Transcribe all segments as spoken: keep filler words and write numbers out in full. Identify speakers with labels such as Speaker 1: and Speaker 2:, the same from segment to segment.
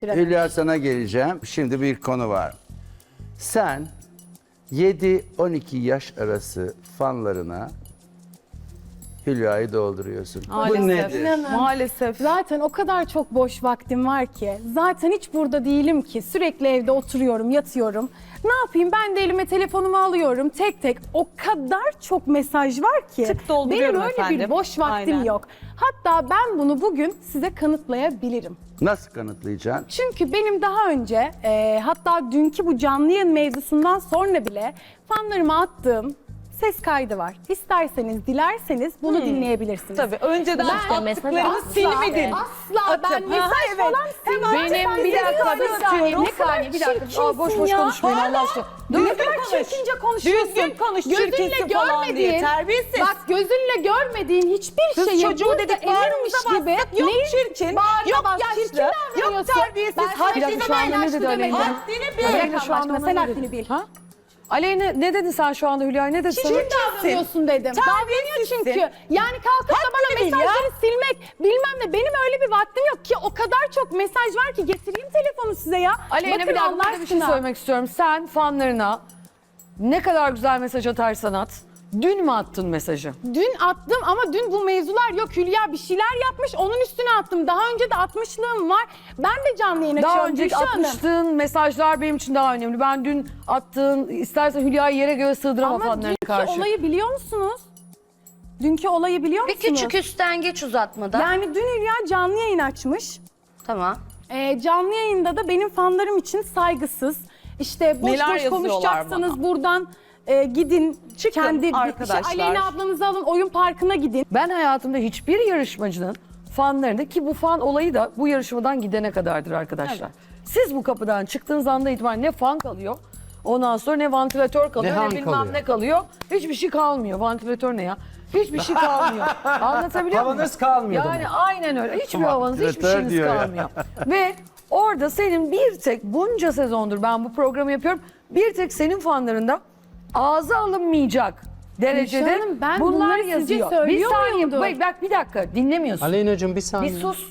Speaker 1: Hülya sana geleceğim. Şimdi bir konu var. Sen yedi on iki yaş arası fanlarına Hülya'yı dolduruyorsun.
Speaker 2: Maalesef.
Speaker 1: Bu nedir?
Speaker 2: İnanın. Maalesef.
Speaker 3: Zaten o kadar çok boş vaktim var ki. Zaten hiç burada değilim ki. Sürekli evde oturuyorum, yatıyorum. Ne yapayım? Ben de elime telefonumu alıyorum tek tek. O kadar çok mesaj var ki.
Speaker 2: Tık dolduruyorum
Speaker 3: Benim öyle
Speaker 2: efendim.
Speaker 3: bir boş vaktim
Speaker 2: Aynen.
Speaker 3: yok. Hatta ben bunu bugün size kanıtlayabilirim.
Speaker 1: Nasıl kanıtlayacaksın?
Speaker 3: Çünkü benim daha önce e, hatta dünkü bu canlı yayın mevzusundan sonra bile fanlarıma attığım ses kaydı var. İsterseniz, dilerseniz bunu dinleyebilirsiniz.
Speaker 2: Tabii önceden
Speaker 3: Ben-
Speaker 2: attıklarını silmedin.
Speaker 3: Asla ben
Speaker 2: Atıp,
Speaker 3: mesaj
Speaker 2: ha, evet.
Speaker 3: falan
Speaker 2: Hemen
Speaker 3: silmem.
Speaker 2: Benim bir dakika, bir saniye,
Speaker 3: Ne
Speaker 2: bir saniye, bir
Speaker 3: kadar
Speaker 2: dakika. Aa, boş boş
Speaker 3: çirkinsin ya.
Speaker 2: konuşmayın Allah aşkına.
Speaker 3: Ne
Speaker 2: Düzgün
Speaker 3: kadar
Speaker 2: konuş.
Speaker 3: çirkince konuşuyorsun.
Speaker 2: Düzgün konuş,
Speaker 3: Gözünle
Speaker 2: çirkinsin falan diye,
Speaker 3: görmediğin,
Speaker 2: terbiyesiz.
Speaker 3: Bak gözünle görmediğin hiçbir
Speaker 2: Kız
Speaker 3: şeyi
Speaker 2: çocuğu
Speaker 3: burada
Speaker 2: dedik,
Speaker 3: eminmiş
Speaker 2: bağrımıza
Speaker 3: gibi.
Speaker 2: bastık. Yok çirkin,
Speaker 3: Bağrına
Speaker 2: yok
Speaker 3: bas,
Speaker 2: yaşlı,
Speaker 3: çirkin
Speaker 2: yok
Speaker 3: davranıyorsun.
Speaker 2: terbiyesiz.
Speaker 3: Ben sana
Speaker 2: Haddini
Speaker 3: şimdi
Speaker 2: bil,
Speaker 3: ben yaşlı
Speaker 2: haddini bil.
Speaker 3: demedim.
Speaker 2: Haddini bil.
Speaker 3: Aleyna şu anda
Speaker 2: Sen
Speaker 3: sen
Speaker 2: ne
Speaker 3: haddini bil.
Speaker 4: Ha? Aleyna ne dedin sen şu anda Hülya? Ne dedin sana?
Speaker 3: Çirkin davranıyorsun dedim. Davranıyor çünkü. Yani kalkıp da bana
Speaker 2: Haddini bil ya.
Speaker 3: mesajları silmek bilmem ne. Benim öyle bir vaktim yok ki. O kadar çok mesaj var ki getireyim telefonu size ya.
Speaker 4: Aleyna
Speaker 3: Bakın
Speaker 4: bir dakika
Speaker 3: Allah
Speaker 4: burada bir şey
Speaker 3: aşkına.
Speaker 4: söylemek istiyorum. Sen fanlarına ne kadar güzel mesaj atarsan at. Dün mü attın mesajı?
Speaker 3: Dün attım ama dün bu mevzular yok. Hülya bir şeyler yapmış onun üstüne attım. Daha önce de atmışlığım var. Ben de canlı yayın
Speaker 4: Daha
Speaker 3: açıyorum
Speaker 4: önceki
Speaker 3: Gülşah Hanım.
Speaker 4: atmıştığın mesajlar benim için daha önemli. Ben dün attığın, istersen Hülya'yı yere göğe sığdıramam
Speaker 3: Ama
Speaker 4: fanlarına
Speaker 3: dünkü
Speaker 4: karşı.
Speaker 3: olayı biliyor musunuz? Dünkü olayı biliyor
Speaker 5: Bir
Speaker 3: musunuz?
Speaker 5: küçük üstten geç uzatmadan.
Speaker 3: Yani dün Hülya canlı yayın açmış.
Speaker 5: Tamam.
Speaker 3: Ee, canlı yayında da benim fanlarım için saygısız. İşte boş
Speaker 2: Neler
Speaker 3: boş
Speaker 2: yazıyorlar
Speaker 3: konuşacaksanız buradan e, gidin.
Speaker 2: Çıkın
Speaker 3: kendi
Speaker 2: arkadaşlar.
Speaker 3: Işte Aleyna ablanızı alın oyun parkına gidin.
Speaker 4: Ben hayatımda hiçbir yarışmacının fanlarında ki bu fan olayı da bu yarışmadan gidene kadardır arkadaşlar. Siz bu kapıdan çıktığınız anda itibaren ne fan kalıyor, ondan sonra ne vantilatör kalıyor,
Speaker 1: Ne
Speaker 4: ne,
Speaker 1: han
Speaker 4: bilmem
Speaker 1: kalıyor.
Speaker 4: ne kalıyor. Hiçbir şey kalmıyor. Vantilatör ne ya? Hiçbir şey kalmıyor. Anlatabiliyor muyum?
Speaker 6: Havanız kalmıyor
Speaker 4: Yani
Speaker 6: demek.
Speaker 4: aynen öyle. Hiçbir havanız, hiçbir
Speaker 1: Vantilatör
Speaker 4: şeyiniz
Speaker 1: diyor ya.
Speaker 4: kalmıyor. Ve orada senin bir tek bunca sezondur ben bu programı yapıyorum. Bir tek senin fanlarında ağza alınmayacak derecede
Speaker 3: Gülşah Hanım, ben
Speaker 4: bunlar
Speaker 3: bunları sizce
Speaker 4: yazıyor. Bir
Speaker 3: söylüyor
Speaker 4: saniye
Speaker 3: muyumdur?
Speaker 4: bak, bak bir dakika dinlemiyorsun.
Speaker 6: Aleyna'cığım bir
Speaker 4: Bir
Speaker 6: saniye.
Speaker 4: sus.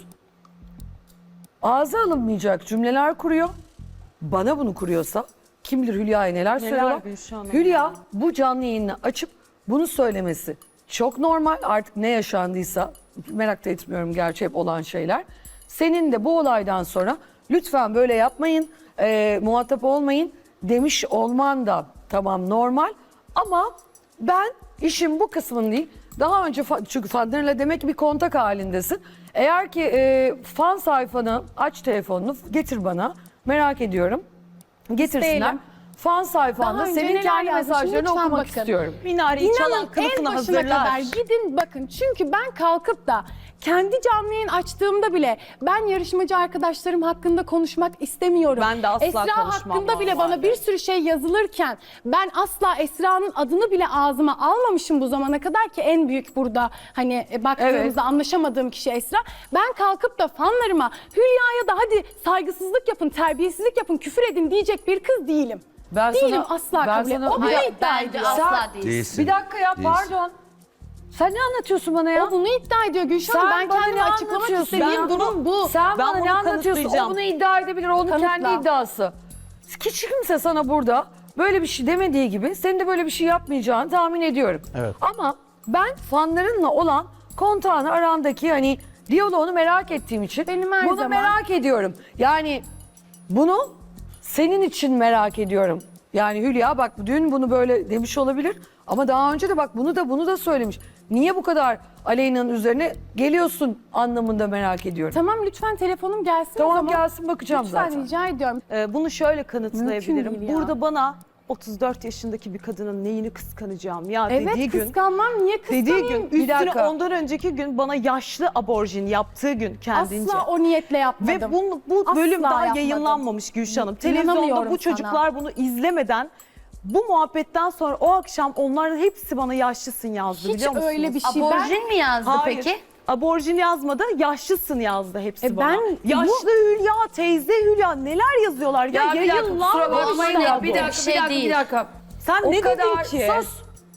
Speaker 4: Ağza alınmayacak cümleler kuruyor. Bana bunu kuruyorsa kim bilir Hülya'ya neler, söylüyorlar.
Speaker 2: Gülşah Hanım?
Speaker 4: Hülya bu canlı yayını açıp bunu söylemesi çok normal. Artık ne yaşandıysa merak da etmiyorum, gerçi hep olan şeyler. Senin de bu olaydan sonra lütfen böyle yapmayın, e, muhatap olmayın demiş olman da tamam normal. Ama ben işin bu kısmını değil, daha önce fa- çünkü fanlarıyla demek ki bir kontak halindesin. Eğer ki e, fan sayfanı aç, telefonunu getir bana, merak ediyorum. Getirsinler.
Speaker 3: İsteyelim.
Speaker 4: Fan sayfanda
Speaker 3: Daha önce
Speaker 4: senin
Speaker 3: neler
Speaker 4: kendi
Speaker 3: yazmışım,
Speaker 4: mesajlarını
Speaker 3: lütfen
Speaker 4: okumak
Speaker 3: bakın.
Speaker 4: istiyorum.
Speaker 2: Minareyi çalan
Speaker 3: İnanın en
Speaker 2: kılıfını
Speaker 3: başına
Speaker 2: hazırlar.
Speaker 3: kadar gidin bakın. Çünkü ben kalkıp da kendi canlı yayın açtığımda bile ben yarışmacı arkadaşlarım hakkında konuşmak istemiyorum.
Speaker 2: Ben de asla
Speaker 3: Esra
Speaker 2: konuşmam
Speaker 3: hakkında bile
Speaker 2: normalde.
Speaker 3: bana bir sürü şey yazılırken ben asla Esra'nın adını bile ağzıma almamışım bu zamana kadar ki en büyük burada hani e, baktığımızda
Speaker 4: Evet.
Speaker 3: anlaşamadığım kişi Esra. Ben kalkıp da fanlarıma Hülya'ya da hadi saygısızlık yapın, terbiyesizlik yapın, küfür edin diyecek bir kız değilim.
Speaker 4: Ben
Speaker 3: Değilim
Speaker 4: sana-
Speaker 3: asla
Speaker 4: ben
Speaker 3: kabul et.
Speaker 4: sana-
Speaker 3: O bunu
Speaker 4: Hayır,
Speaker 3: iddia
Speaker 5: Bence
Speaker 3: ediyor.
Speaker 5: asla değil.
Speaker 1: Değilsin.
Speaker 4: Bir dakika ya,
Speaker 1: Değilsin.
Speaker 4: pardon. Sen ne anlatıyorsun bana ya?
Speaker 3: O bunu iddia ediyor Gülşah Hanım. Ben
Speaker 4: bana
Speaker 3: kendimi
Speaker 4: ne
Speaker 3: açıklamak
Speaker 4: anlatıyorsun?
Speaker 3: istediğim
Speaker 4: Ben
Speaker 3: durum bu.
Speaker 4: Sen
Speaker 2: Ben
Speaker 4: bana
Speaker 2: bunu
Speaker 4: ne anlatıyorsun? O
Speaker 2: kanıtlayacağım.
Speaker 4: bunu iddia edebilir. Onun
Speaker 3: Kanıtla.
Speaker 4: kendi iddiası. Hiç kimse sana burada böyle bir şey demediği gibi senin de böyle bir şey yapmayacağını tahmin ediyorum.
Speaker 6: Evet.
Speaker 4: Ama ben fanlarınla olan kontağını, arandaki hani diyaloğunu merak ettiğim için
Speaker 3: Benim her
Speaker 4: bunu
Speaker 3: zaman-
Speaker 4: merak ediyorum. Yani bunu senin için merak ediyorum. Yani Hülya bak dün bunu böyle demiş olabilir ama daha önce de bak bunu da bunu da söylemiş. Niye bu kadar Aleyna'nın üzerine geliyorsun anlamında merak ediyorum.
Speaker 3: Tamam lütfen telefonum gelsin o
Speaker 4: Tamam
Speaker 3: zaman.
Speaker 4: gelsin, bakacağım
Speaker 3: Lütfen
Speaker 4: zaten.
Speaker 3: rica ediyorum.
Speaker 2: Ee, bunu şöyle kanıtlayabilirim.
Speaker 3: Mümkün değil ya.
Speaker 2: Burada bana otuz dört yaşındaki bir kadının neyini kıskanacağım ya
Speaker 3: Evet
Speaker 2: dediği gün.
Speaker 3: kıskanmam niye
Speaker 2: Dediği
Speaker 3: kıskanayım?
Speaker 2: gün üstüne
Speaker 4: dakika.
Speaker 2: ondan önceki gün bana yaşlı aborjin yaptığı gün kendince.
Speaker 3: Asla o niyetle yapmadım.
Speaker 2: Ve bu, bu
Speaker 3: Asla
Speaker 2: bölüm daha
Speaker 3: yapmadım.
Speaker 2: yayınlanmamış Gülşah Hanım. Televizyonda
Speaker 3: İnanamıyorum
Speaker 2: bu çocuklar
Speaker 3: sana.
Speaker 2: bunu izlemeden bu muhabbetten sonra o akşam onların hepsi bana yaşlısın yazdı
Speaker 3: Hiç
Speaker 2: biliyor musunuz?
Speaker 3: öyle bir şey.
Speaker 5: Aborjin mi yazdı
Speaker 2: Hayır.
Speaker 5: peki?
Speaker 2: Aborjin yazmadı, yaşlısın yazdı hepsi
Speaker 3: E
Speaker 2: bana.
Speaker 3: ben-
Speaker 2: Yaşlı Hülya, teyze Hülya neler yazıyorlar ya,
Speaker 4: Ya bir dakika, kusura
Speaker 2: yayınlanmamış
Speaker 4: bakmayın
Speaker 5: ya,
Speaker 4: ya.
Speaker 5: bu.
Speaker 4: Bir dakika, bir
Speaker 5: Şey
Speaker 4: dakika, bir
Speaker 5: değil.
Speaker 4: dakika.
Speaker 2: Sen
Speaker 4: O
Speaker 2: ne
Speaker 4: kadar,
Speaker 2: dedin ki?
Speaker 4: sus.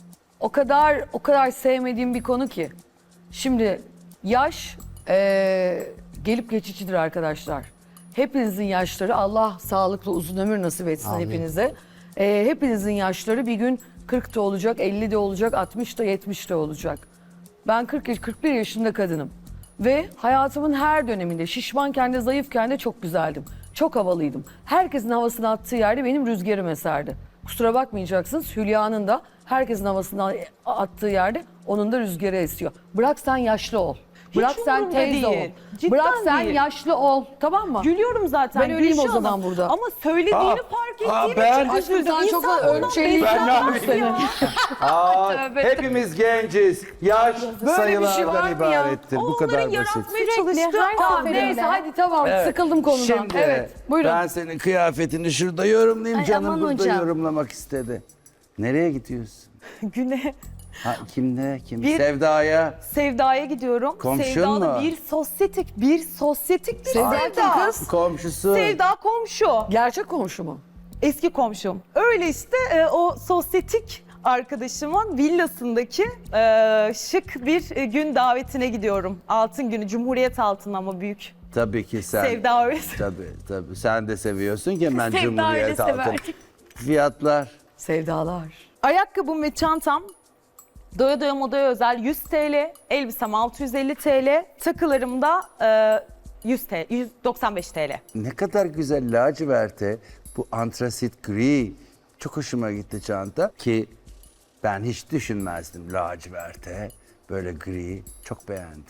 Speaker 4: O kadar, o kadar sevmediğim bir konu ki. Şimdi yaş eee, gelip geçicidir arkadaşlar. hepinizin yaşları, Allah sağlıklı uzun ömür nasip etsin
Speaker 6: Amin.
Speaker 4: hepinize. Ee, hepinizin yaşları bir gün kırkta olacak, ellide olacak, altmışta, yetmişte olacak. Ben kırk yaş- kırk bir yaşında kadınım. Ve hayatımın her döneminde şişmanken de zayıfken de çok güzeldim. Çok havalıydım. Herkesin havasını attığı yerde benim rüzgarım eserdi. Kusura bakmayacaksınız, Hülya'nın da herkesin havasını attığı yerde onun da rüzgarı esiyor. Bırak sen yaşlı ol. Bırak sen
Speaker 2: umurumda
Speaker 4: teyze ol.
Speaker 2: değil. Cidden
Speaker 4: Bırak sen
Speaker 2: değil.
Speaker 4: yaşlı ol. Tamam mı?
Speaker 2: Gülüyorum zaten.
Speaker 4: Ben öyleyim o
Speaker 2: Gülşah
Speaker 4: zaman
Speaker 2: Hanım.
Speaker 4: burada.
Speaker 2: Ama söylediğini
Speaker 1: Aa,
Speaker 2: fark
Speaker 1: aa,
Speaker 2: ettiğim
Speaker 1: ben-
Speaker 2: için
Speaker 4: Aşkım
Speaker 2: üzüldüm.
Speaker 4: sen çok
Speaker 2: İnsan bundan
Speaker 4: ölçeliydin
Speaker 1: Ben ne
Speaker 2: beslenmez
Speaker 1: yapayım?
Speaker 2: ya.
Speaker 1: Aa, hepimiz genciz. Yaş
Speaker 4: Böyle bir şey var
Speaker 1: sayılardan
Speaker 4: mı ya?
Speaker 1: ibarettir. Bu
Speaker 2: Onların
Speaker 1: kadar basit.
Speaker 2: yaratmaya
Speaker 3: Sürekli
Speaker 2: çalıştığı
Speaker 3: her
Speaker 4: Tamam
Speaker 3: seferinde.
Speaker 4: neyse hadi tamam
Speaker 1: Evet.
Speaker 4: sıkıldım konudan.
Speaker 1: Şimdi
Speaker 4: Evet buyurun.
Speaker 1: ben senin kıyafetini şurada yorumlayayım.
Speaker 5: Ay,
Speaker 1: Canım
Speaker 5: aman
Speaker 1: burada
Speaker 5: hocam.
Speaker 1: yorumlamak istedi. Nereye gidiyorsun?
Speaker 2: Güne
Speaker 1: Ha, kimde? Kim?
Speaker 2: Bir-
Speaker 1: Sevda'ya.
Speaker 2: Sevda'ya gidiyorum.
Speaker 1: Komşun
Speaker 2: Sevda'da
Speaker 1: mu?
Speaker 2: bir sosyetik, bir sosyetik bir
Speaker 4: Sevda
Speaker 2: Sevda.
Speaker 4: kim kız?
Speaker 1: Komşusu.
Speaker 2: Sevda komşu.
Speaker 4: Gerçek komşu mu?
Speaker 2: Eski komşum. Öyle işte e, o sosyetik arkadaşımın villasındaki e, şık bir e, gün davetine gidiyorum. Altın günü, Cumhuriyet altın ama büyük.
Speaker 1: Tabii ki sen.
Speaker 2: Sevda öyle.
Speaker 1: Tabii tabii. Sen de seviyorsun ki ben
Speaker 2: Sevda öyle
Speaker 1: Cumhuriyet
Speaker 2: sever.
Speaker 1: altın. Fiyatlar.
Speaker 4: Sevdalar.
Speaker 2: Ayakkabım ve çantam Doya Doya Moda'ya özel yüz TL, elbisem altı yüz elli TL, takılarım da e, yüz TL, yüz doksan beş TL.
Speaker 1: Ne kadar güzel laciverte. Bu antrasit gri. Çok hoşuma gitti çanta ki ben hiç düşünmezdim laciverte. Böyle gri. Çok beğendim.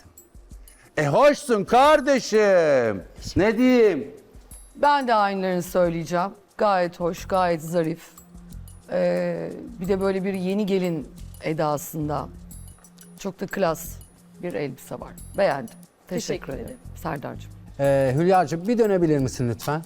Speaker 1: E hoşsun kardeşim. Ne diyeyim?
Speaker 4: Ben de aynılarını söyleyeceğim. Gayet hoş, gayet zarif. Ee, bir de böyle bir yeni gelin edasında çok da klas bir elbise var. Beğendim. Teşekkür,
Speaker 2: Teşekkür
Speaker 4: ederim.
Speaker 2: ederim.
Speaker 4: Serdar'cığım.
Speaker 6: Ee, Hülya'cığım bir dönebilir misin lütfen?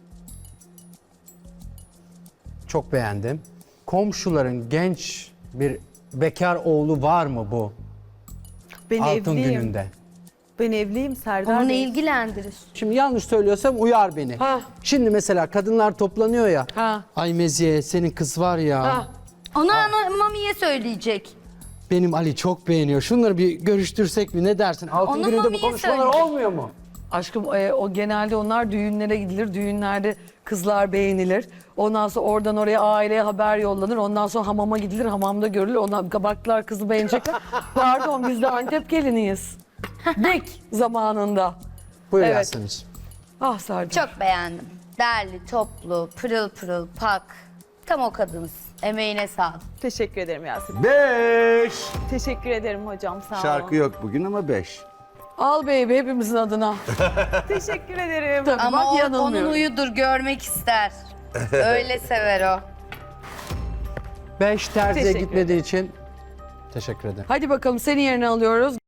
Speaker 6: Çok beğendim. Komşuların genç bir bekar oğlu var mı bu
Speaker 2: Ben
Speaker 6: altın
Speaker 2: evliyim.
Speaker 6: gününde?
Speaker 2: Ben evliyim Serdar
Speaker 5: Onu ne
Speaker 2: Bey.
Speaker 5: ilgilendirir?
Speaker 6: Şimdi yanlış söylüyorsam uyar beni.
Speaker 4: Ha.
Speaker 6: Şimdi mesela kadınlar toplanıyor ya.
Speaker 4: Ha.
Speaker 6: Ay Meziye senin kız var ya.
Speaker 4: Ha.
Speaker 5: Onu ana Mami'ye söyleyecek.
Speaker 6: Benim Ali çok beğeniyor. Şunları bir görüştürsek mi ne dersin? Altın
Speaker 5: Onu
Speaker 6: gününde bu
Speaker 5: Mami'ye
Speaker 6: konuşmalar
Speaker 5: söyleyecek.
Speaker 6: olmuyor mu?
Speaker 4: Aşkım e, o genelde onlar düğünlere gidilir. Düğünlerde kızlar beğenilir. Ondan sonra oradan oraya aileye haber yollanır. Ondan sonra hamama gidilir. Hamamda görülür. Ondan baktılar kızı beğenecekler. Pardon biz de Antep geliniyiz. Bek zamanında.
Speaker 6: Buyur
Speaker 4: Evet.
Speaker 6: Yasemin'ciğim.
Speaker 4: Ah Serdar.
Speaker 5: Çok beğendim. Derli, toplu, pırıl pırıl, pak. Tam o kadınız. Emeğine sağlık.
Speaker 2: Teşekkür ederim Yasemin.
Speaker 1: Beş.
Speaker 2: Teşekkür ederim hocam sağ olun.
Speaker 1: Şarkı yok bugün ama beş.
Speaker 4: Al baby hepimizin adına.
Speaker 2: Teşekkür ederim.
Speaker 4: Tabii
Speaker 5: Ama
Speaker 4: bak
Speaker 5: o, onun
Speaker 4: yanılmıyorum.
Speaker 5: uyudur, görmek ister. Öyle sever o.
Speaker 6: Beş terziye
Speaker 2: Teşekkür
Speaker 6: gitmediği için teşekkür ederim.
Speaker 4: Hadi bakalım seni yerine alıyoruz.